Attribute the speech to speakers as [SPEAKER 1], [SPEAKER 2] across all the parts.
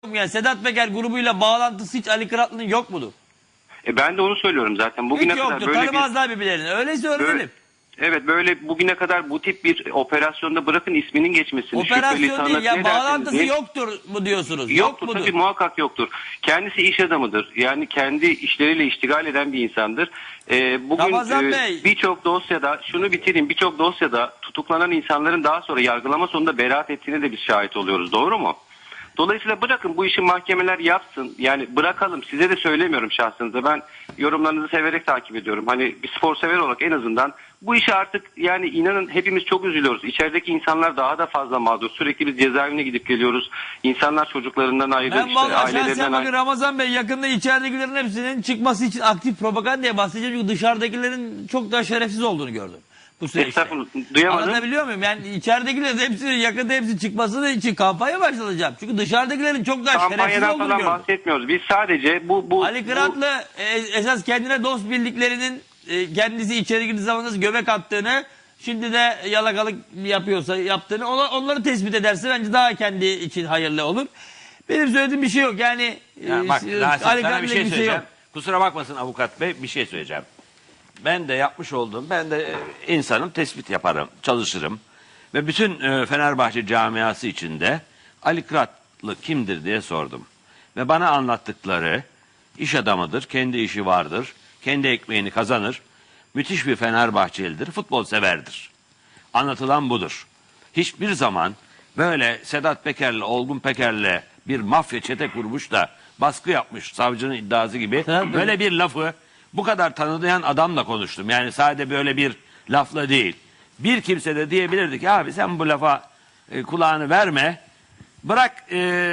[SPEAKER 1] Yani Sedat Peker grubuyla bağlantısı hiç Ali Kıratlı'nın yok mudur?
[SPEAKER 2] Ben de onu söylüyorum zaten. Bugüne
[SPEAKER 1] Hiç
[SPEAKER 2] kadar
[SPEAKER 1] yoktur.
[SPEAKER 2] böyle
[SPEAKER 1] Tanımazlar birbirlerini. Öyleyse öğrenelim.
[SPEAKER 2] evet, böyle bugüne kadar bu tip bir operasyonda bırakın isminin geçmesini.
[SPEAKER 1] Operasyon değil ya, bağlantısı yoktur mu diyorsunuz?
[SPEAKER 2] Yoktur
[SPEAKER 1] Yok mudur?
[SPEAKER 2] tabii, muhakkak yoktur. Kendisi iş adamıdır. Yani kendi işleriyle iştigal eden bir insandır.
[SPEAKER 1] Ramazan
[SPEAKER 2] Bugün
[SPEAKER 1] Bey.
[SPEAKER 2] birçok dosyada, şunu bitireyim, birçok dosyada tutuklanan insanların daha sonra yargılama sonunda beraat ettiğine de biz şahit oluyoruz. Doğru mu? Dolayısıyla bırakın bu işi mahkemeler yapsın. Yani bırakalım. Size de söylemiyorum şahsınıza. Ben yorumlarınızı severek takip ediyorum. Hani bir spor sever olarak en azından bu işi artık, yani inanın hepimiz çok üzülüyoruz. İçerideki insanlar daha da fazla mağdur. Sürekli biz cezaevine gidip geliyoruz. İnsanlar çocuklarından ayrı,
[SPEAKER 1] Ben
[SPEAKER 2] işte
[SPEAKER 1] vallahi
[SPEAKER 2] ailelerinden
[SPEAKER 1] şahsen bakın
[SPEAKER 2] ayrı.
[SPEAKER 1] Ramazan Bey, yakında içeridekilerin hepsinin çıkması için aktif propagandaya bahsedeceğim. Çünkü dışarıdakilerin çok daha şerefsiz olduğunu gördüm bu süreçte.
[SPEAKER 2] Estağfurullah, duyamadım.
[SPEAKER 1] Anlatabiliyor muyum? Yani içeridekilerin hepsinin yakında hepsi çıkması için kampanya başlatacağım. Çünkü dışarıdakilerin çok daha şerefsiz
[SPEAKER 2] Kampanyadan
[SPEAKER 1] olduğunu
[SPEAKER 2] falan
[SPEAKER 1] gördüm.
[SPEAKER 2] bahsetmiyoruz. Biz sadece
[SPEAKER 1] Ali Kıratlı esas kendine dost bildiklerinin kendisi içeri girdiği zaman nasıl göbek attığını, şimdi de yalakalık yapıyorsa yaptığını, onları tespit ederse bence daha kendi için hayırlı olur. Benim söylediğim bir şey yok. Yani
[SPEAKER 3] Bak Rasim,
[SPEAKER 1] Ali
[SPEAKER 3] sana bir şey
[SPEAKER 1] Kıratlı'yla
[SPEAKER 3] söyleyeceğim.
[SPEAKER 1] yok.
[SPEAKER 3] Kusura bakmasın avukat bey, bir şey söyleyeceğim. Ben de yapmış olduğum, ben de insanım, tespit yaparım, çalışırım. Ve bütün Fenerbahçe camiası içinde Ali Kıratlı kimdir diye sordum. Ve bana anlattıkları, iş adamıdır, kendi işi vardır, kendi ekmeğini kazanır, müthiş bir Fenerbahçelidir, futbol severdir. Anlatılan budur. Hiçbir zaman böyle Sedat Peker'le, Olgun Peker'le bir mafya çete kurmuş da baskı yapmış, savcının iddiası gibi
[SPEAKER 1] Tabii.
[SPEAKER 3] böyle bir lafı bu kadar tanıdıyan adamla konuştum. Yani sadece böyle bir lafla değil. Bir kimse de diyebilirdi ki abi sen bu lafa kulağını verme, bırak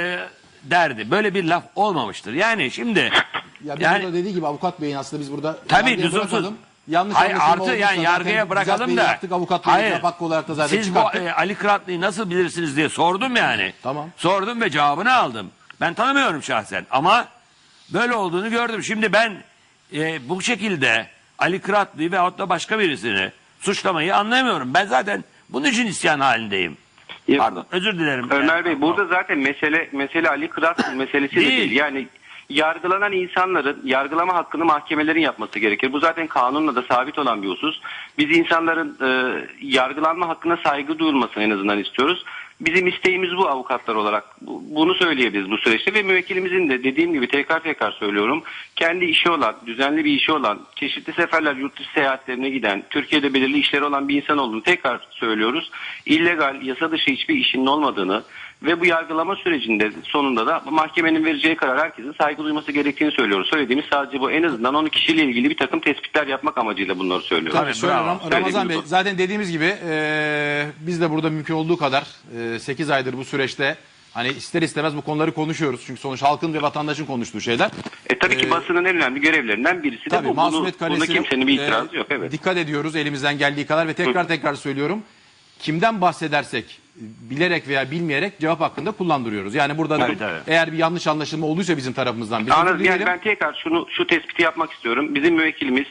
[SPEAKER 3] derdi. Böyle bir laf olmamıştır. Yani şimdi
[SPEAKER 4] Ya biz burada dediği gibi avukat beyin aslında biz burada
[SPEAKER 3] tabii
[SPEAKER 4] yargıya
[SPEAKER 3] lüzumsuz.
[SPEAKER 4] bırakalım. Yanlış
[SPEAKER 3] Hayır,
[SPEAKER 4] anlaşılma
[SPEAKER 3] artı
[SPEAKER 4] olduysa
[SPEAKER 3] yani
[SPEAKER 4] zaten
[SPEAKER 3] yargıya bırakalım
[SPEAKER 4] düzeltmeyi
[SPEAKER 3] da.
[SPEAKER 4] yaptık, avukat beyin cevap hakkı olarak da zaten
[SPEAKER 3] Siz bu
[SPEAKER 4] çıkarttık.
[SPEAKER 3] Ali Kıratlı'yı nasıl bilirsiniz diye sordum yani.
[SPEAKER 4] Tamam.
[SPEAKER 3] Sordum ve cevabını aldım. Ben tanımıyorum şahsen ama böyle olduğunu gördüm. Şimdi ben bu şekilde Ali Kıratlı'yı veyahut da başka birisini suçlamayı anlayamıyorum. Ben zaten bunun için isyan halindeyim. Pardon, özür dilerim.
[SPEAKER 2] Ömer Bey, burada zaten mesele Ali Kıratlı meselesi de değil. Yani yargılanan insanların yargılama hakkını mahkemelerin yapması gerekir. Bu zaten kanunla da sabit olan bir husus. Biz insanların yargılanma hakkına saygı duyulmasını en azından istiyoruz. Bizim isteğimiz bu, avukatlar olarak. Bunu söyleyebiliriz bu süreçte ve müvekkilimizin de dediğim gibi tekrar söylüyorum. Kendi işi olan, düzenli bir işi olan, çeşitli seferler yurt dışı seyahatlerine giden, Türkiye'de belirli işleri olan bir insan olduğunu tekrar söylüyoruz. İllegal, yasa dışı hiçbir işinin olmadığını ve bu yargılama sürecinde sonunda da mahkemenin vereceği karar herkesin saygı duyması gerektiğini söylüyoruz. Söylediğimiz sadece bu. En azından onun kişiyle ilgili bir takım tespitler yapmak amacıyla bunları söylüyoruz.
[SPEAKER 4] Tabii şöyle
[SPEAKER 3] bravo.
[SPEAKER 4] Ramazan Bey, zaten dediğimiz gibi biz de burada mümkün olduğu kadar 8 aydır bu süreçte hani ister istemez bu konuları konuşuyoruz. Çünkü sonuç halkın ve vatandaşın konuştuğu şeyler.
[SPEAKER 2] Tabii ki basının en önemli görevlerinden birisi de
[SPEAKER 4] Tabii
[SPEAKER 2] bu.
[SPEAKER 4] masumiyet
[SPEAKER 2] Buna
[SPEAKER 4] karesine
[SPEAKER 2] kimsenin bir itirazı yok. Evet.
[SPEAKER 4] dikkat ediyoruz elimizden geldiği kadar ve tekrar söylüyorum. Kimden bahsedersek bilerek veya bilmeyerek cevap hakkında kullandırıyoruz. Yani burada
[SPEAKER 3] Tabii.
[SPEAKER 4] eğer bir yanlış anlaşılma olduysa bizim tarafımızdan biz
[SPEAKER 2] Anladım.
[SPEAKER 4] özür
[SPEAKER 2] Yani
[SPEAKER 4] dileyelim.
[SPEAKER 2] ben tekrar şu tespiti yapmak istiyorum. Bizim müvekkilimiz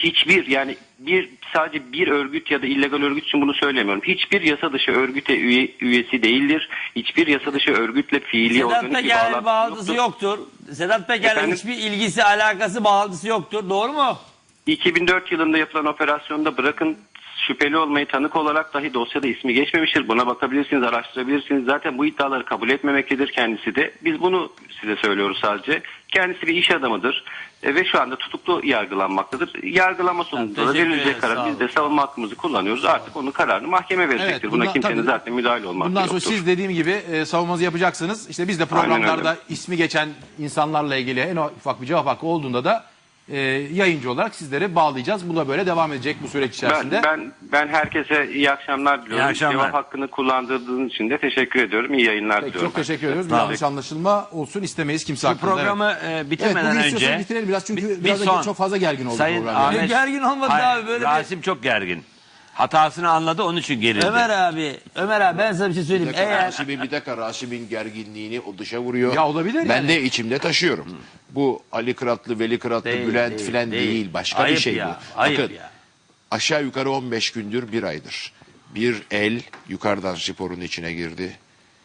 [SPEAKER 2] sadece bir örgüt ya da illegal örgüt için bunu söylemiyorum. Hiçbir yasa dışı örgüte üyesi değildir. Hiçbir yasa dışı örgütle fiili
[SPEAKER 1] Sedat
[SPEAKER 2] organik bir
[SPEAKER 1] Peker'le bağlantısı
[SPEAKER 2] yoktur.
[SPEAKER 1] yoktur. Sedat Peker'le
[SPEAKER 2] Efendim?
[SPEAKER 1] hiçbir ilgisi, alakası, bağlantısı yoktur. Doğru mu?
[SPEAKER 2] 2004 yılında yapılan operasyonda bırakın şüpheli olmayı, tanık olarak dahi dosyada ismi geçmemiştir. Buna bakabilirsiniz, araştırabilirsiniz. Zaten bu iddiaları kabul etmemektedir kendisi de. Biz bunu size söylüyoruz sadece. Kendisi bir iş adamıdır ve şu anda tutuklu yargılanmaktadır. Yargılama sonunda da
[SPEAKER 1] teşekkür
[SPEAKER 2] verilecek
[SPEAKER 1] ederiz, sağ
[SPEAKER 2] karar. Biz
[SPEAKER 1] olun.
[SPEAKER 2] de savunma hakkımızı kullanıyoruz. Artık onun kararını mahkeme verecektir.
[SPEAKER 4] Evet,
[SPEAKER 2] Buna kimsenin
[SPEAKER 4] tabii,
[SPEAKER 2] zaten müdahale olmak
[SPEAKER 4] bundan sonra
[SPEAKER 2] yoktur.
[SPEAKER 4] siz dediğim gibi savunmanızı yapacaksınız. İşte biz de
[SPEAKER 2] Aynen
[SPEAKER 4] programlarda
[SPEAKER 2] öyle.
[SPEAKER 4] ismi geçen insanlarla ilgili en ufak bir cevap hakkı olduğunda da yayıncı olarak sizleri bağlayacağız. Bu da böyle devam edecek bu süreç içerisinde.
[SPEAKER 2] Ben herkese iyi akşamlar diliyorum.
[SPEAKER 3] İyi akşamlar.
[SPEAKER 2] Cevap hakkını kullandırdığınız için de teşekkür ediyorum. İyi yayınlar
[SPEAKER 4] Peki,
[SPEAKER 2] diliyorum.
[SPEAKER 4] çok teşekkür ediyoruz. Bir
[SPEAKER 3] Sağ olun.
[SPEAKER 4] yanlış anlaşılma olsun istemeyiz kimse
[SPEAKER 3] Bu
[SPEAKER 4] hakkında.
[SPEAKER 3] programı
[SPEAKER 4] Evet,
[SPEAKER 3] bitirmeden
[SPEAKER 4] bugün
[SPEAKER 3] önce
[SPEAKER 4] istiyorsanız bitirelim biraz çünkü
[SPEAKER 3] bir
[SPEAKER 4] biraz da
[SPEAKER 3] son.
[SPEAKER 4] çok fazla gergin oldu
[SPEAKER 3] Sayın
[SPEAKER 4] program. yani.
[SPEAKER 3] Ahmet-
[SPEAKER 1] Gergin olmadı
[SPEAKER 3] Hayır,
[SPEAKER 1] abi, böyle
[SPEAKER 3] Rasim çok gergin. Hatasını anladı, onun için gerildi.
[SPEAKER 1] Ömer abi ben sana bir şey söyleyeyim. Eğer
[SPEAKER 5] Rasim'in gerginliğini o dışa vuruyor.
[SPEAKER 4] Ya olabilir
[SPEAKER 5] Ben
[SPEAKER 4] yani.
[SPEAKER 5] de içimde taşıyorum. Bu Ali Kıratlı, Veli Kıratlı,
[SPEAKER 1] Değil,
[SPEAKER 5] Bülent
[SPEAKER 1] değil,
[SPEAKER 5] filan
[SPEAKER 1] değil.
[SPEAKER 5] değil. Başka
[SPEAKER 1] Ayıp
[SPEAKER 5] bir şey
[SPEAKER 1] ya,
[SPEAKER 5] bu.
[SPEAKER 1] ayıp
[SPEAKER 5] Bakın
[SPEAKER 1] ya.
[SPEAKER 5] aşağı yukarı 15 gündür bir aydır. Bir el yukarıdan sporun içine girdi.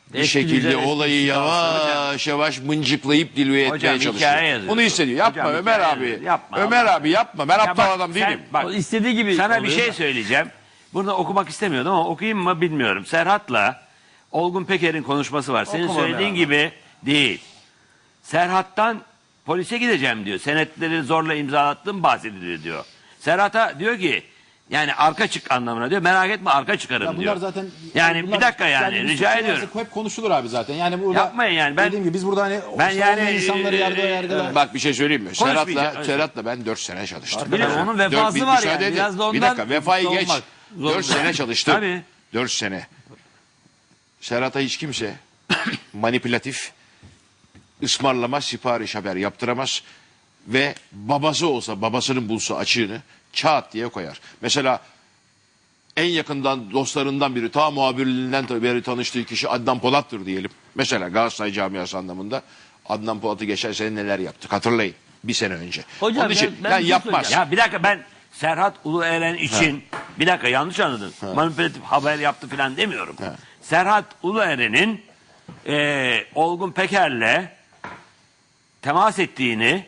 [SPEAKER 5] bir
[SPEAKER 1] Eski
[SPEAKER 5] şekilde
[SPEAKER 1] düzen, eski
[SPEAKER 5] olayı
[SPEAKER 1] düzen.
[SPEAKER 5] yavaş yavaş mıncıklayıp dilve
[SPEAKER 3] Hocam,
[SPEAKER 5] etmeye
[SPEAKER 3] hikaye
[SPEAKER 5] çalışıyor.
[SPEAKER 3] yazıyor.
[SPEAKER 5] Bunu hissediyor. Yapma
[SPEAKER 3] Hocam,
[SPEAKER 5] Ömer
[SPEAKER 3] hikaye
[SPEAKER 5] abi.
[SPEAKER 3] yazıyor. Yapma
[SPEAKER 5] Ömer
[SPEAKER 3] Allah.
[SPEAKER 5] abi yapma. Ben
[SPEAKER 3] Ya
[SPEAKER 5] aptal
[SPEAKER 3] bak,
[SPEAKER 5] adam
[SPEAKER 3] sen-
[SPEAKER 5] değilim.
[SPEAKER 3] bak,
[SPEAKER 1] O istediği gibi
[SPEAKER 3] sana bir
[SPEAKER 1] oluyor
[SPEAKER 3] şey
[SPEAKER 1] da.
[SPEAKER 3] söyleyeceğim. Burada okumak istemiyordum ama okuyayım mı bilmiyorum. Serhat'la Olgun Peker'in konuşması var. Senin
[SPEAKER 1] Okuma be
[SPEAKER 3] söylediğin
[SPEAKER 1] abi.
[SPEAKER 3] gibi değil. Serhat'tan polise gideceğim diyor. Senetleri zorla imzalattım bahsediliyor diyor. Serhat'a diyor ki yani arka çık anlamına diyor. Merak etme arka çıkarım
[SPEAKER 4] Ya bunlar
[SPEAKER 3] diyor.
[SPEAKER 4] zaten
[SPEAKER 3] Yani
[SPEAKER 4] bunlar-
[SPEAKER 3] bir dakika yani
[SPEAKER 4] biz
[SPEAKER 3] rica
[SPEAKER 4] suçlu
[SPEAKER 3] ediyorum.
[SPEAKER 4] varsa hep konuşulur abi zaten. Yani burada
[SPEAKER 3] Yapmayın yani, ben-
[SPEAKER 4] dediğim gibi biz burada hani
[SPEAKER 3] ben yani,
[SPEAKER 4] savunma insanları yargılar.
[SPEAKER 5] Bak bir şey söyleyeyim mi?
[SPEAKER 3] Konuşmayacağım.
[SPEAKER 5] Serhat'la ben 4 sene çalıştım.
[SPEAKER 1] Bir de onun vefası var
[SPEAKER 5] müsaade
[SPEAKER 1] yani.
[SPEAKER 5] edin.
[SPEAKER 1] Biraz da ondan
[SPEAKER 5] Bir dakika vefayı geç.
[SPEAKER 1] savunmak zor.
[SPEAKER 5] 4 sene çalıştım.
[SPEAKER 3] Tabii.
[SPEAKER 5] 4 sene. Serhat'a hiç kimse manipülatif, ısmarlama, sipariş haber yaptıramaz ve babası olsa babasının bulsa açığını çat diye koyar. Mesela en yakından dostlarından biri ta muhabirliğinden beri tanıştığı kişi Adnan Polat'tır diyelim. Mesela Galatasaray camiası anlamında Adnan Polat'ı geçen sene neler yaptık hatırlayın bir sene önce.
[SPEAKER 1] Hocam,
[SPEAKER 5] Onun için
[SPEAKER 1] ben
[SPEAKER 5] yani
[SPEAKER 1] bir şey
[SPEAKER 5] yapmaz.
[SPEAKER 1] söyleyeceğim.
[SPEAKER 3] Ya bir dakika ben Serhat Ulueren için bir dakika yanlış anladın. Manipülatif haber yaptı falan demiyorum. Serhat Ulueren'in Olgun Peker'le temas ettiğini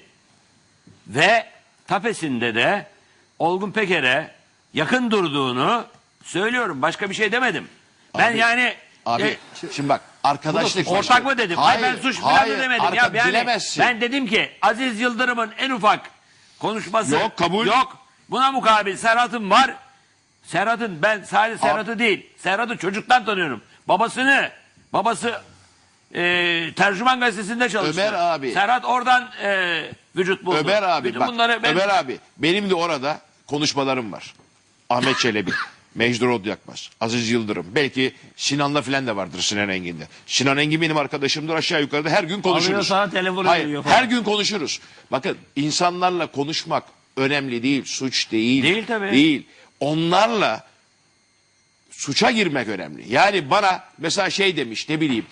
[SPEAKER 3] ve tapesinde de Olgun Peker'e yakın durduğunu söylüyorum. Başka bir şey demedim. Ben
[SPEAKER 5] Abi,
[SPEAKER 3] yani
[SPEAKER 5] Abi şimdi bak arkadaşlık
[SPEAKER 3] ortak mı dedim? Hayır, ben suç falan mı demedim? Ya yani
[SPEAKER 5] bilemezsin.
[SPEAKER 3] ben dedim ki Aziz Yıldırım'ın en ufak konuşması
[SPEAKER 5] Yok, kabul.
[SPEAKER 3] yok. Buna mukabil Serhat'ın var. Serhat'ın ben sadece Serhat'ı değil. Serhat'ı çocuktan tanıyorum. Babası Tercüman Gazetesi'nde çalıştı.
[SPEAKER 5] Ömer abi.
[SPEAKER 3] Serhat oradan vücut buldu.
[SPEAKER 5] Ömer abi
[SPEAKER 3] Bütün
[SPEAKER 5] bak
[SPEAKER 3] bunları ben...
[SPEAKER 5] Ömer abi benim de orada konuşmalarım var. Ahmet Çelebi, Mecdur Odyakmaz, Aziz Yıldırım. Belki Sinan'la filan da vardır Sinan Engin'de. Sinan Engin benim arkadaşımdır aşağı yukarıda her gün konuşuruz.
[SPEAKER 1] Alıyor sana telefonu
[SPEAKER 5] Hayır,
[SPEAKER 1] veriyor falan.
[SPEAKER 5] her gün konuşuruz. Bakın insanlarla konuşmak önemli değil, suç değil.
[SPEAKER 3] Değil tabii.
[SPEAKER 5] Değil. Onlarla suça girmek önemli. Yani bana mesela şey demiş ne bileyim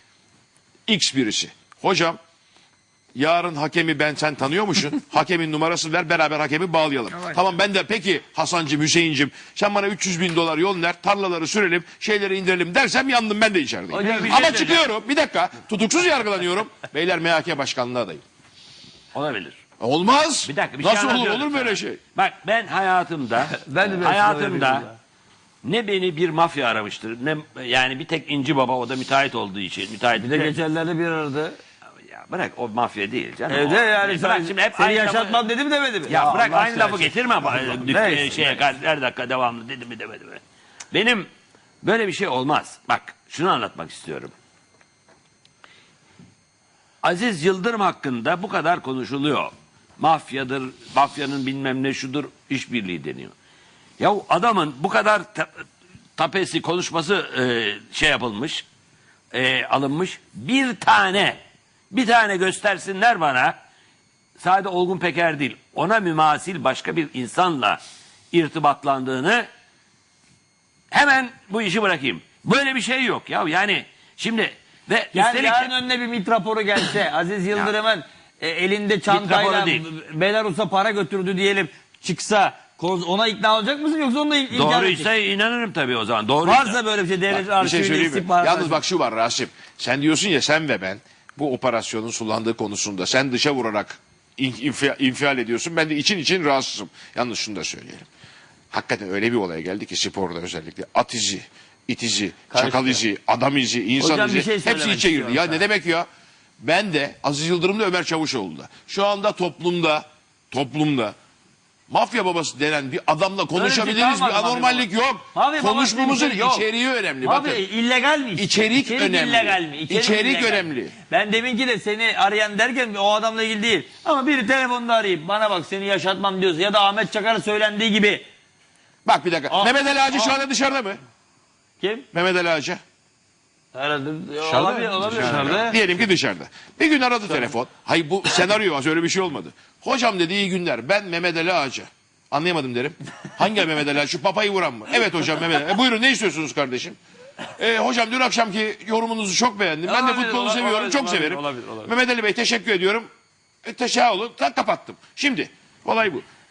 [SPEAKER 5] X birisi. Hocam yarın hakemi sen tanıyormuşsun. Hakemin numarası ver beraber hakemi bağlayalım. Tamam ben de peki Hasancım Hüseyincim sen bana 300.000 dolar yol ver tarlaları sürelim şeyleri indirelim dersem yandım ben de içerideyim.
[SPEAKER 1] Hocam, bir şey
[SPEAKER 5] Ama
[SPEAKER 1] söyleyeceğim.
[SPEAKER 5] çıkıyorum bir dakika tutuksuz yargılanıyorum. Beyler MHK başkanlığı adayım.
[SPEAKER 3] Olabilir.
[SPEAKER 5] Olmaz.
[SPEAKER 3] Bir dakika, bir şey
[SPEAKER 5] Nasıl olur
[SPEAKER 3] anlatıyorum
[SPEAKER 5] olur böyle
[SPEAKER 3] sana.
[SPEAKER 5] şey?
[SPEAKER 3] Bak ben hayatımda
[SPEAKER 1] Ben de böyle
[SPEAKER 3] hayatımda
[SPEAKER 1] yapıyorum
[SPEAKER 3] ne beni bir mafya aramıştır ne yani bir tek İnci Baba o da müteahhit olduğu için müteahhit
[SPEAKER 1] Bir de geçenlerde bir aradı.
[SPEAKER 3] ya bırak o mafya değil canım.
[SPEAKER 1] Evde
[SPEAKER 3] O-
[SPEAKER 1] yani
[SPEAKER 3] bırak
[SPEAKER 1] sen,
[SPEAKER 3] şimdi hep
[SPEAKER 1] seni
[SPEAKER 3] aynı
[SPEAKER 1] yaşatmam dedi mi demedi mi?
[SPEAKER 3] ya bırak
[SPEAKER 1] Allah
[SPEAKER 3] aynı lafı
[SPEAKER 1] aşkına.
[SPEAKER 3] getirme
[SPEAKER 1] Neyse,
[SPEAKER 3] şeye her dakika devamlı dedi mi demedi mi. Benim böyle bir şey olmaz. Bak şunu anlatmak istiyorum. Aziz Yıldırım hakkında bu kadar konuşuluyor. Mafyadır, mafyanın bilmem ne şudur, işbirliği deniyor. Ya adamın bu kadar tapesi konuşması şey yapılmış, alınmış. Bir tane göstersinler bana. Sadece Olgun Peker değil, ona mümasil başka bir insanla irtibatlandığını hemen bu işi bırakayım. Böyle bir şey yok ya yani şimdi ve
[SPEAKER 1] Yani
[SPEAKER 3] üstelik
[SPEAKER 1] yarın önüne bir MİT raporu gelse, Aziz Yıldırım'ın elinde çantayla
[SPEAKER 3] raporu değil.
[SPEAKER 1] Belarus'a para götürdü diyelim çıksa ona ikna olacak mısın yoksa onu da inkar edecek?
[SPEAKER 3] doğruysa inanırım tabii o zaman. Doğruysa.
[SPEAKER 1] Varsa böyle bir şey devlet
[SPEAKER 5] Bir şey
[SPEAKER 1] arşivinde
[SPEAKER 5] söyleyeyim mi?
[SPEAKER 1] istihbarat.
[SPEAKER 5] Yalnız bak şu var Rasim. Sen diyorsun ya sen ve ben bu operasyonun sulandığı konusunda sen dışa vurarak infial ediyorsun. Ben de için rahatsızım. Yalnız şunu da söyleyelim. Hakikaten öyle bir olaya geldi ki sporda özellikle at izi, it izi, çakal izi, adam izi, insan
[SPEAKER 1] Hocam
[SPEAKER 5] izi
[SPEAKER 1] bir şey
[SPEAKER 5] hepsi
[SPEAKER 1] söylemek
[SPEAKER 5] içe girdi.
[SPEAKER 1] istiyorum
[SPEAKER 5] Ya
[SPEAKER 1] sana.
[SPEAKER 5] ne demek ya? Ben de Aziz Yıldırım'da Ömer Çavuşoğlu'da. Şu anda toplumda mafya babası denen bir adamla konuşabiliriz.
[SPEAKER 1] kalmadı
[SPEAKER 5] Bir anormallik yok.
[SPEAKER 1] Mafya babası
[SPEAKER 5] Konuşmamızın
[SPEAKER 1] diye bir şey yok.
[SPEAKER 5] içeriği önemli.
[SPEAKER 1] Abi
[SPEAKER 5] Bakın.
[SPEAKER 1] illegal mi? işte?
[SPEAKER 5] İçerik önemli.
[SPEAKER 1] illegal mi?
[SPEAKER 5] İçerik
[SPEAKER 1] illegal.
[SPEAKER 5] önemli.
[SPEAKER 1] Ben deminki de seni arayan derken o adamla ilgili değil. Ama biri telefonda arayıp bana bak seni yaşatmam diyorsa ya da Ahmet Çakar'a söylendiği gibi.
[SPEAKER 5] Bak bir dakika.
[SPEAKER 1] Ah,
[SPEAKER 5] Mehmet Ali Ağacı şu
[SPEAKER 1] ah.
[SPEAKER 5] anda dışarıda mı?
[SPEAKER 1] Kim?
[SPEAKER 5] Mehmet Ali Ağacı.
[SPEAKER 1] Herhalde olabilir. Dışarıda.
[SPEAKER 5] Diyelim ki dışarıda. Bir gün aradı telefon. Hayır bu senaryo az öyle bir şey olmadı. Hocam dedi iyi günler. Ben Mehmet Ali Ağacı. Anlayamadım derim. Hangi Mehmet Ali Ağacı? Şu papayı vuran mı? Evet hocam Mehmet Ali. Buyurun ne istiyorsunuz kardeşim? Hocam dün akşamki yorumunuzu çok beğendim. Ben de
[SPEAKER 1] Olabilir,
[SPEAKER 5] futbolu
[SPEAKER 1] olabilir,
[SPEAKER 5] seviyorum. Çok
[SPEAKER 1] olabilir,
[SPEAKER 5] severim.
[SPEAKER 1] olabilir.
[SPEAKER 5] Mehmet Ali Bey teşekkür ediyorum. Teşekkür olun. Kapattım. Şimdi olay bu.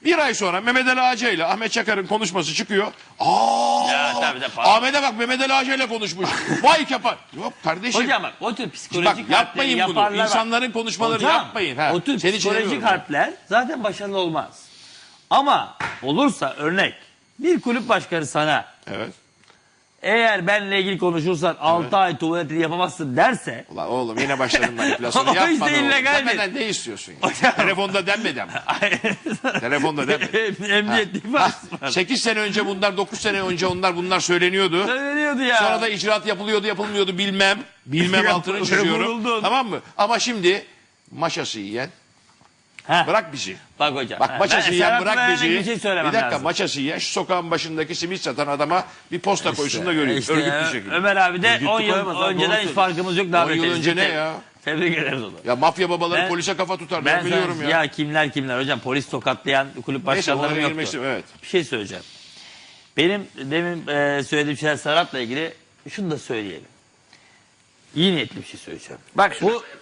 [SPEAKER 5] Bir ay sonra Mehmet Ali Ağca ile Ahmet Çakar'ın konuşması çıkıyor.
[SPEAKER 1] Ya, tabii de
[SPEAKER 5] Ahmet'e bak Mehmet Ali Ağca ile konuşmuş. Vay kapar. Yok kardeşim.
[SPEAKER 1] Hocam bak o tür
[SPEAKER 5] Bak
[SPEAKER 1] psikolojik harpleri
[SPEAKER 5] yapmayın bunu.
[SPEAKER 1] yaparlar. Bak.
[SPEAKER 5] İnsanların konuşmalarını
[SPEAKER 1] Hocam,
[SPEAKER 5] yapmayın. Ha.
[SPEAKER 1] o tür
[SPEAKER 5] Seni
[SPEAKER 1] psikolojik
[SPEAKER 5] çeviriyorum.
[SPEAKER 1] harpler zaten başarılı olmaz. Ama olursa örnek bir kulüp başkanı sana
[SPEAKER 5] Evet.
[SPEAKER 1] eğer benle ilgili konuşursan 6 ay tuvaletini yapamazsın derse
[SPEAKER 5] Ulan oğlum yine başladın manipülasyonu.
[SPEAKER 1] O
[SPEAKER 5] Yapma
[SPEAKER 1] işte
[SPEAKER 5] ne oğlum.
[SPEAKER 1] illegaldir.
[SPEAKER 5] Demeden ne istiyorsun ya?
[SPEAKER 1] Hocam.
[SPEAKER 5] Telefonda denmeden mi? Telefonda denmeden.
[SPEAKER 1] emniyet ifadesi var.
[SPEAKER 5] 8 sene önce bunlar, 9 sene önce bunlar söyleniyordu.
[SPEAKER 1] Söyleniyordu ya.
[SPEAKER 5] Sonra da icraat yapılıyordu, yapılmıyordu bilmem. Bilmem altını
[SPEAKER 1] Vuruldun.
[SPEAKER 5] çiziyorum. Tamam mı? Ama şimdi maşası yiyen
[SPEAKER 1] Heh.
[SPEAKER 5] bırak bizi.
[SPEAKER 1] Bak hocam.
[SPEAKER 5] Bak
[SPEAKER 1] ha,
[SPEAKER 5] maçası
[SPEAKER 1] ben
[SPEAKER 5] yiyen
[SPEAKER 1] Serhat
[SPEAKER 5] bırak
[SPEAKER 1] Bey'e
[SPEAKER 5] bizi.
[SPEAKER 1] Bir şey söylemem
[SPEAKER 5] Bir dakika
[SPEAKER 1] lazım.
[SPEAKER 5] maçası yiyen şu sokağın başındaki simit satan adama bir posta koysun da göreyim.
[SPEAKER 1] İşte
[SPEAKER 5] Örgütlü şekilde.
[SPEAKER 1] Ömer abi de
[SPEAKER 3] Örgütlü
[SPEAKER 1] 10 yıl
[SPEAKER 3] koyamaz abi,
[SPEAKER 1] önceden
[SPEAKER 3] doğru
[SPEAKER 1] hiç
[SPEAKER 3] söylüyor.
[SPEAKER 1] farkımız yok. Daha
[SPEAKER 5] 10 yıl
[SPEAKER 1] beteriz.
[SPEAKER 5] önce ne ya?
[SPEAKER 1] Tebrik ederiz onu.
[SPEAKER 5] Ya mafya babaları
[SPEAKER 1] Ben-
[SPEAKER 5] polise kafa tutar.
[SPEAKER 1] Ben
[SPEAKER 5] Ben biliyorum
[SPEAKER 1] sana-
[SPEAKER 5] ya.
[SPEAKER 1] kimler hocam polis tokatlayan kulüp
[SPEAKER 5] Neyse
[SPEAKER 1] başkanları
[SPEAKER 5] onlara
[SPEAKER 1] yoktu.
[SPEAKER 5] girmiştim evet.
[SPEAKER 1] Bir şey söyleyeceğim. Benim demin söylediğim şeyler Serhat'la ilgili şunu da söyleyelim. İyi niyetli bir şey söyleyeceğim.
[SPEAKER 3] Bak şu
[SPEAKER 1] Bu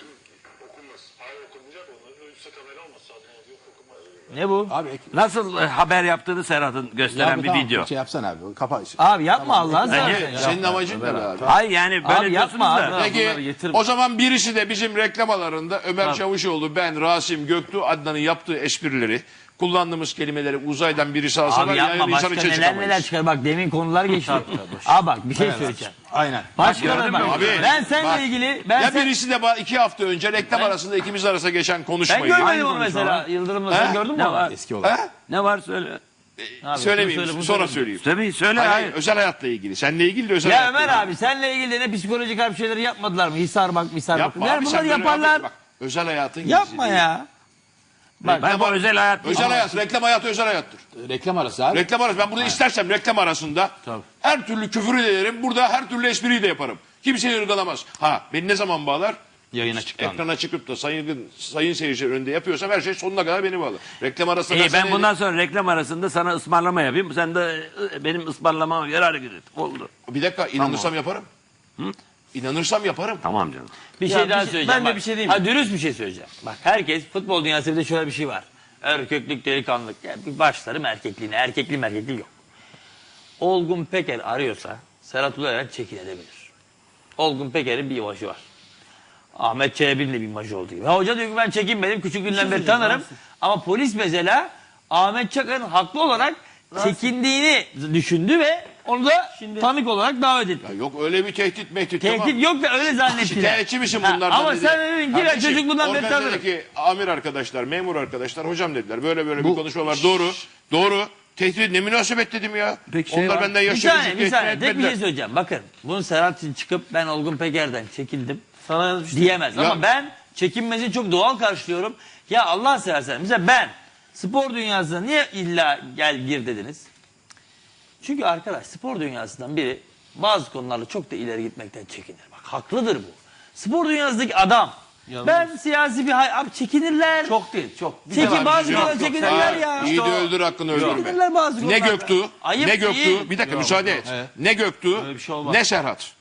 [SPEAKER 1] ne bu?
[SPEAKER 4] Abi,
[SPEAKER 3] nasıl haber yaptığını Serhat'ın gösteren bir video.
[SPEAKER 4] Şey yapsana abi. Kapa.
[SPEAKER 1] Abi yapma Allah'ını
[SPEAKER 3] Bence-
[SPEAKER 1] seversen ya.
[SPEAKER 5] Senin amacın ne be abi?
[SPEAKER 3] Hayır yani böyle
[SPEAKER 1] Abi
[SPEAKER 3] diyorsunuz
[SPEAKER 1] yapma
[SPEAKER 3] da.
[SPEAKER 1] abi.
[SPEAKER 5] Peki
[SPEAKER 1] bunları getirme.
[SPEAKER 5] o zaman birisi de bizim reklamalarında Ömer Çavuşoğlu, ben, Rasim, Göktuğ, Adnan'ın yaptığı esprileri, kullandığımız kelimeleri uzaydan birisi alsa
[SPEAKER 1] Abi
[SPEAKER 5] var
[SPEAKER 1] yapma
[SPEAKER 5] yani insan
[SPEAKER 1] başka
[SPEAKER 5] içe
[SPEAKER 1] neler
[SPEAKER 5] çıkamayız.
[SPEAKER 1] çıkar. Bak demin konular geçti. Abi bak bir şey söyleyeceğim.
[SPEAKER 4] Aynen.
[SPEAKER 1] Başka
[SPEAKER 3] gördün
[SPEAKER 1] bak.
[SPEAKER 3] mü?
[SPEAKER 5] Abi,
[SPEAKER 1] Ben seninle
[SPEAKER 5] bak.
[SPEAKER 1] ilgili
[SPEAKER 5] Ya birisi de 2 hafta önce reklam arasında ikimiz arasında geçen
[SPEAKER 1] ben
[SPEAKER 5] konuşmayı.
[SPEAKER 1] görmedim onu
[SPEAKER 3] konuşma
[SPEAKER 1] mesela.
[SPEAKER 3] var.
[SPEAKER 1] Yıldırım'la sen
[SPEAKER 5] He?
[SPEAKER 1] gördün mü
[SPEAKER 3] Ne
[SPEAKER 1] onu?
[SPEAKER 3] var?
[SPEAKER 4] Eski olan.
[SPEAKER 5] Ha?
[SPEAKER 3] Ne var söyle.
[SPEAKER 1] Abi,
[SPEAKER 5] Söylemeyeyim
[SPEAKER 1] bunu
[SPEAKER 5] sonra
[SPEAKER 1] söyle.
[SPEAKER 5] söyleyeyim.
[SPEAKER 3] Söyle
[SPEAKER 5] Hayır,
[SPEAKER 3] hayır.
[SPEAKER 5] özel hayatla ilgili. Seninle ilgili de özel
[SPEAKER 1] Ya
[SPEAKER 5] hayatla
[SPEAKER 1] Ömer
[SPEAKER 5] ilgili.
[SPEAKER 1] abi senle ilgili de ne psikolojik harp şeyleri yapmadılar mı? Hisar bak, misar bak.
[SPEAKER 5] Yapma
[SPEAKER 1] Yani
[SPEAKER 5] abi,
[SPEAKER 1] bunları
[SPEAKER 5] sen böyle
[SPEAKER 1] yaparlar.
[SPEAKER 5] abi, bak, özel hayatın
[SPEAKER 1] Yapma
[SPEAKER 5] gizliliği.
[SPEAKER 1] ya. Bak,
[SPEAKER 3] Ben bu özel hayat değil.
[SPEAKER 5] Özel hayat, reklam hayatı özel hayattır.
[SPEAKER 4] Reklam arası abi.
[SPEAKER 5] Reklam arası. Ben burada istersem reklam arasında her türlü küfürü de ederim. Burada her türlü espriyi de yaparım. Kimse ırgalamaz. Ha beni ne zaman bağlar?
[SPEAKER 4] Yayına çıktı.
[SPEAKER 5] Ekrana çıkıp da sayın seyirciler önünde yapıyorsam her şey sonuna kadar beni bağlar. Reklam arasında
[SPEAKER 3] İyi,
[SPEAKER 5] dersen
[SPEAKER 3] ben bundan sonra reklam arasında sana ısmarlama yapayım. Sen de benim ısmarlamama göre hareket et. Oldu.
[SPEAKER 5] bir dakika inanırsam yaparım. İnanırsam yaparım.
[SPEAKER 3] Tamam canım.
[SPEAKER 1] bir şey
[SPEAKER 3] Ya
[SPEAKER 1] daha
[SPEAKER 3] bir şey-
[SPEAKER 1] söyleyeceğim.
[SPEAKER 3] ben de
[SPEAKER 1] bak.
[SPEAKER 3] bir şey diyeyim
[SPEAKER 1] Ha, dürüst bir şey söyleyeceğim. Bak herkes futbol dünyasında bir de şöyle bir şey var. Erkeklik, delikanlılık. Yani bir başlarım erkekliğine. Erkeklik yok. Olgun Peker arıyorsa Serhat Ulueren çekilebilir. Olgun Peker'in bir imajı var. Ahmet Çelebi'nin de bir imajı olduğu gibi. Ha, hoca diyor ki ben çekinmedim. Küçüklüğünden beri tanırım. Ama polis mesela Ahmet Çakar'ın haklı olarak çekindiğini düşündü ve onu da tanık olarak davet etti.
[SPEAKER 5] Ya yok öyle bir tehdit mehdit.
[SPEAKER 1] Tehdit
[SPEAKER 5] tamam.
[SPEAKER 1] yok da öyle zannettiler.
[SPEAKER 5] Şikayetçi misin
[SPEAKER 1] Ha,
[SPEAKER 5] bunlardan
[SPEAKER 1] ama
[SPEAKER 5] dedi.
[SPEAKER 1] sen dedin ki ben
[SPEAKER 5] Kardeşim,
[SPEAKER 1] çocukluğundan beri tanırım.
[SPEAKER 5] organizedeki amir arkadaşlar, memur arkadaşlar hocam dediler. Böyle bir konuşma var. Doğru. Tehdit ne münasebet dedim ya.
[SPEAKER 3] Peki şey
[SPEAKER 5] Onlar
[SPEAKER 3] var.
[SPEAKER 5] benden
[SPEAKER 1] Bir
[SPEAKER 5] yaşça
[SPEAKER 1] saniye,
[SPEAKER 5] küçük
[SPEAKER 1] bir
[SPEAKER 5] tehdit
[SPEAKER 1] saniye. Tek bir
[SPEAKER 5] etmediler.
[SPEAKER 1] şey söyleyeceğim. Bakın bunu Serhat için çıkıp ben Olgun Peker'den çekindim
[SPEAKER 3] Sana
[SPEAKER 1] diyemez.
[SPEAKER 5] Ya-
[SPEAKER 1] Ama ben çekinmesini çok doğal karşılıyorum. Ya Allah seversen mesela ben spor dünyasına niye illa gel gir dediniz? Çünkü arkadaş spor dünyasından biri bazı konularla çok da ileri gitmekten çekinir. Bak haklıdır bu. Spor dünyasındaki adam. Ben siyasi bir abi çekinirler.
[SPEAKER 3] Çok değil çok.
[SPEAKER 1] Çekin bazı
[SPEAKER 5] Yok,
[SPEAKER 1] konular
[SPEAKER 5] yok.
[SPEAKER 1] çekinirler
[SPEAKER 5] Ha,
[SPEAKER 1] ya.
[SPEAKER 5] İyi de öldür hakkını öldürme.
[SPEAKER 1] Çekinirler bazı
[SPEAKER 5] Ne
[SPEAKER 1] konularda.
[SPEAKER 5] Göktuğ,
[SPEAKER 1] Ayıp
[SPEAKER 5] ne Göktuğ.
[SPEAKER 1] değil.
[SPEAKER 5] Bir dakika müsaade et. Ne Göktuğ, ne Serhat.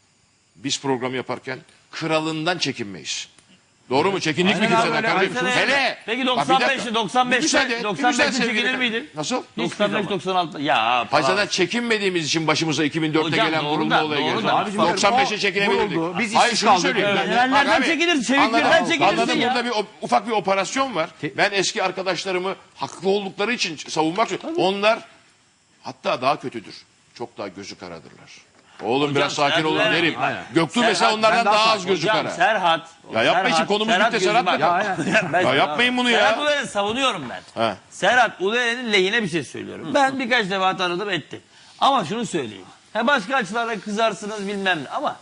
[SPEAKER 5] Biz program yaparken kralından çekinmeyiz. Doğru mu? Çekindik mi
[SPEAKER 1] Aynen
[SPEAKER 5] kimseden
[SPEAKER 1] abi,
[SPEAKER 5] kardeşim?
[SPEAKER 1] aynen.
[SPEAKER 5] Hele.
[SPEAKER 1] Peki
[SPEAKER 5] Bak bir dakika.
[SPEAKER 1] 95'te 95'te
[SPEAKER 5] Müsaade et,
[SPEAKER 1] 95'te
[SPEAKER 5] sevgili
[SPEAKER 1] çekinir
[SPEAKER 5] kardeşim.
[SPEAKER 1] miydin?
[SPEAKER 5] Nasıl?
[SPEAKER 1] 95 96 ya.
[SPEAKER 5] Hayır
[SPEAKER 1] falan.
[SPEAKER 5] zaten çekinmediğimiz için başımıza 2004'te
[SPEAKER 1] Hocam,
[SPEAKER 5] gelen
[SPEAKER 1] doğru
[SPEAKER 5] vurulma
[SPEAKER 1] da,
[SPEAKER 5] olayı
[SPEAKER 1] doğru
[SPEAKER 5] geldi.
[SPEAKER 1] da. Abicim,
[SPEAKER 5] 95'e çekinebilirdik.
[SPEAKER 4] vuruldu, biz
[SPEAKER 5] Hayır
[SPEAKER 4] işsiz
[SPEAKER 5] şunu
[SPEAKER 4] kaldık.
[SPEAKER 5] söyleyeyim.
[SPEAKER 1] Evet. Nereden
[SPEAKER 5] Bak abi,
[SPEAKER 1] çekilir? Çeviklerden
[SPEAKER 5] anladım.
[SPEAKER 1] çekilirsin
[SPEAKER 5] Anladım,
[SPEAKER 1] ya.
[SPEAKER 5] burada bir ufak bir operasyon var. Ben eski arkadaşlarımı haklı oldukları için savunmak istiyorum. Onlar hatta daha kötüdür. Çok daha gözü karadırlar. Oğlum biraz sakin
[SPEAKER 1] Serhat
[SPEAKER 5] olun
[SPEAKER 1] Ulueren-
[SPEAKER 5] derim.
[SPEAKER 1] Aynen.
[SPEAKER 5] Göktuğ mesela
[SPEAKER 1] Serhat,
[SPEAKER 5] onlardan
[SPEAKER 4] ben daha
[SPEAKER 5] daha az
[SPEAKER 4] sakin
[SPEAKER 5] gözü
[SPEAKER 1] Hocam
[SPEAKER 5] kara.
[SPEAKER 1] Serhat.
[SPEAKER 5] Ya yapmayın şimdi konumuz bitti,
[SPEAKER 1] gözü
[SPEAKER 5] Serhat
[SPEAKER 1] bak.
[SPEAKER 5] Bey. Ya yapmayın bunu ya.
[SPEAKER 1] Serhat Uleren'i savunuyorum ben.
[SPEAKER 5] He.
[SPEAKER 1] Serhat Uleren'in lehine bir şey söylüyorum. Ben birkaç defa tanıdım etti. Ama şunu söyleyeyim. Başka açılarla kızarsınız bilmem ne ama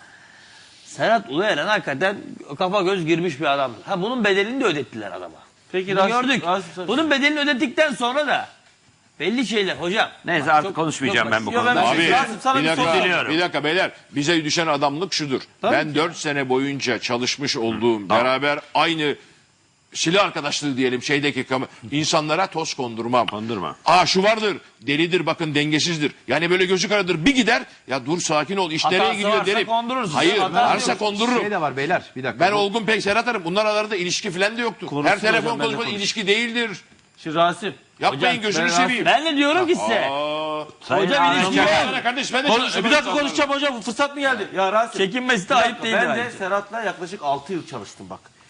[SPEAKER 1] Serhat Uluyeren hakikaten kafa göz girmiş bir adamdır. Bunun bedelini de ödettiler adama.
[SPEAKER 3] Peki
[SPEAKER 1] Bunu gördük. Bunun bedelini ödettikten sonra da belli şeyler hocam.
[SPEAKER 3] Neyse
[SPEAKER 1] Bak,
[SPEAKER 3] artık
[SPEAKER 1] çok-
[SPEAKER 3] konuşmayacağım
[SPEAKER 1] çok
[SPEAKER 3] ben bu
[SPEAKER 1] basit.
[SPEAKER 3] konuda.
[SPEAKER 1] Yok,
[SPEAKER 5] Abi
[SPEAKER 1] Rasim, sana
[SPEAKER 5] bir
[SPEAKER 1] bir soru
[SPEAKER 5] dakika,
[SPEAKER 3] diliyorum.
[SPEAKER 5] bir dakika beyler bize düşen adamlık şudur. Ben 4 sene boyunca çalışmış olduğum beraber aynı silah arkadaşlığı diyelim şeydeki insanlara toz kondurmam.
[SPEAKER 3] Kondurma.
[SPEAKER 5] Şu vardır delidir bakın dengesizdir. Yani böyle gözü karadır bir gider ya dur sakin ol iş
[SPEAKER 1] Hatası
[SPEAKER 5] nereye gidiyor
[SPEAKER 1] varsa
[SPEAKER 5] derim.
[SPEAKER 1] kondurursun.
[SPEAKER 5] Hayır
[SPEAKER 1] Hatası
[SPEAKER 5] varsa
[SPEAKER 1] yok.
[SPEAKER 5] kondururum.
[SPEAKER 4] Şey de var beyler bir dakika.
[SPEAKER 5] Ben Olgun Pek Serhat Arım bunlar aralarında ilişki falan da yoktu. Her telefon
[SPEAKER 3] ben de
[SPEAKER 5] konuşması
[SPEAKER 3] konuş.
[SPEAKER 5] ilişki değildir.
[SPEAKER 6] Şimdi Rasim.
[SPEAKER 5] Yapmayın gözünü seveyim.
[SPEAKER 1] Ben de diyorum ki size. Hocam ilişki yok.
[SPEAKER 5] Kardeş ben de
[SPEAKER 6] Bir
[SPEAKER 5] çalışıyorum.
[SPEAKER 6] dakika konuşacağım hocam. Fırsat mı geldi? Ya Rasim.
[SPEAKER 1] Çekinmesi de ayıp değil
[SPEAKER 6] Ben de
[SPEAKER 1] bence.
[SPEAKER 6] Serhat'la yaklaşık 6 yıl çalıştım bak.